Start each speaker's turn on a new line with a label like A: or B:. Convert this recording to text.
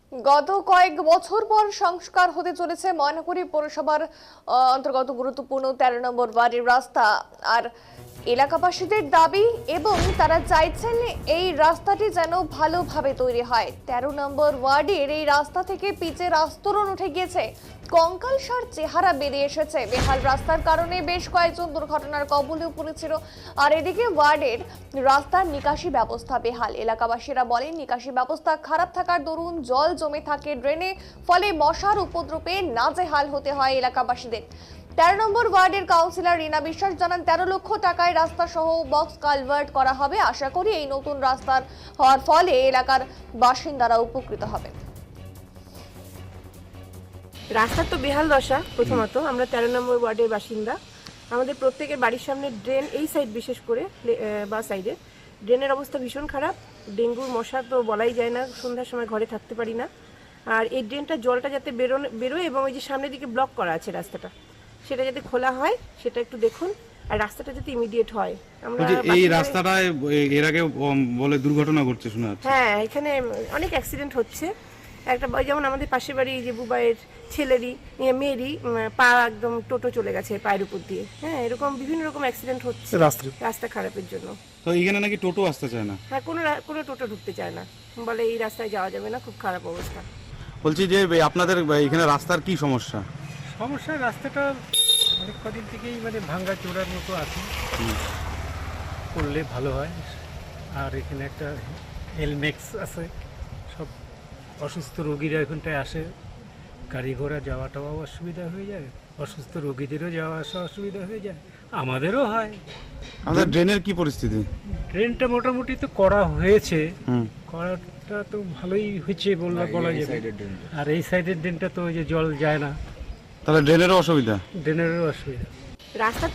A: গত কয়েক বছর পর সংস্কার হতে চলেছে ময়নাগুড়ি পৌরসভার অন্তর্গত গুরুত্বপূর্ণ ১৩ নম্বর ওয়ার্ডের রাস্তা। আর এলাকাবাসীদের দাবি এবং তারা চাইছেন এই রাস্তাটি যেন ভালোভাবে তৈরি হয়। ১৩ নম্বর ওয়ার্ডের এই রাস্তা থেকে পিচের আস্তরণ উঠে গিয়েছে, কঙ্কালসার চেহারা বেরিয়ে এসেছে। বেহাল রাস্তার কারণে বেশ কয়েকজন দুর্ঘটনার কবলেও পড়েছিল। আর এদিকে ওয়ার্ডের রাস্তার নিকাশি ব্যবস্থা বেহাল। এলাকাবাসীরা বলেন নিকাশি ব্যবস্থা খারাপ থাকার দরুন জল জমে থাকে ড্রেনে, ফলে মশার উপদ্রবে নাজেহাল হতে হয় এলাকাবাসীদের। ১৩ নম্বর ওয়ার্ডের কাউন্সিলর রীনা বিশ্বাস জানান ১৩ লক্ষ টাকায় রাস্তা সহ বক্স কালভার্ট করা হবে। আশা করি এই নতুন রাস্তার হওয়ার ফলে এলাকার বাসিন্দারা উপকৃত হবেন।
B: রাস্তার তো বেহাল দশা। প্রথমত আমরা ১৩ নম্বর ওয়ার্ডের বাসিন্দা। আমাদের প্রত্যেকের বাড়ির সামনে ড্রেন, এই সাইড বিশেষ করে বা সাইডে ড্রেনের অবস্থা ভীষণ খারাপ। ডেঙ্গুর মশা তো বলাই যায় না, সন্ধ্যার সময় ঘরে থাকতে পারি না। আর এই ড্রেনটা জলটা যাতে বেরোয় এবং ওই যে সামনের দিকে ব্লক করা আছে রাস্তাটা, সেটা যাতে খোলা হয় সেটা একটু দেখুন। আর রাস্তাটা যাতে ইমিডিয়েট হয়। আমরা
C: এই রাস্তাটায় এর আগে বলে দুর্ঘটনা ঘটছে শোনা যাচ্ছে।
B: হ্যাঁ, এখানে অনেক অ্যাক্সিডেন্ট হচ্ছে। একটা যেমন আমাদের পাশের বাড়ি যে বুবাইয়ের মেয়েরই পা একদম টোটো চলে গেছে পায়ের উপর দিয়ে। হ্যাঁ, এরকম বিভিন্ন রকম অ্যাক্সিডেন্ট হচ্ছে রাস্তা খারাপের জন্য।
C: তো এখানে নাকি টোটো আসতে চায় না।
B: হ্যাঁ, কোনো টোটো ঢুকতে চায় না, বলে এই রাস্তায় যাওয়া যাবে না, খুব খারাপ অবস্থা।
C: বলছি যে আপনাদের এখানে রাস্তার কি সমস্যা?
D: রাস্তাটা অনেক কদিন থেকেই ভাঙ্গা চোরার মতো আছে, করলে ভালো হয়। আর এখানে একটা হেলমেক্স আছে, সব অসুস্থ রোগীরা এখানটায় আসে, গাড়ি ঘোড়া যাওয়া টাওয়াও অসুবিধা হয়ে যায়, অসুস্থ রোগীদেরও যাওয়া আসা অসুবিধা হয়ে যায়, আমাদেরও হয়।
C: আমাদের ড্রেনের কি পরিস্থিতি?
D: ট্রেনটা মোটামুটি তো করা হয়েছে, করাটা তো ভালোই হয়েছে বলা যাবে। আর এই সাইডের ড্রেনটা তো ওই যে জল যায় না,
C: তাহলে ড্রেনেরও অসুবিধা।
D: ড্রেনেরও অসুবিধা।
B: রাস্তার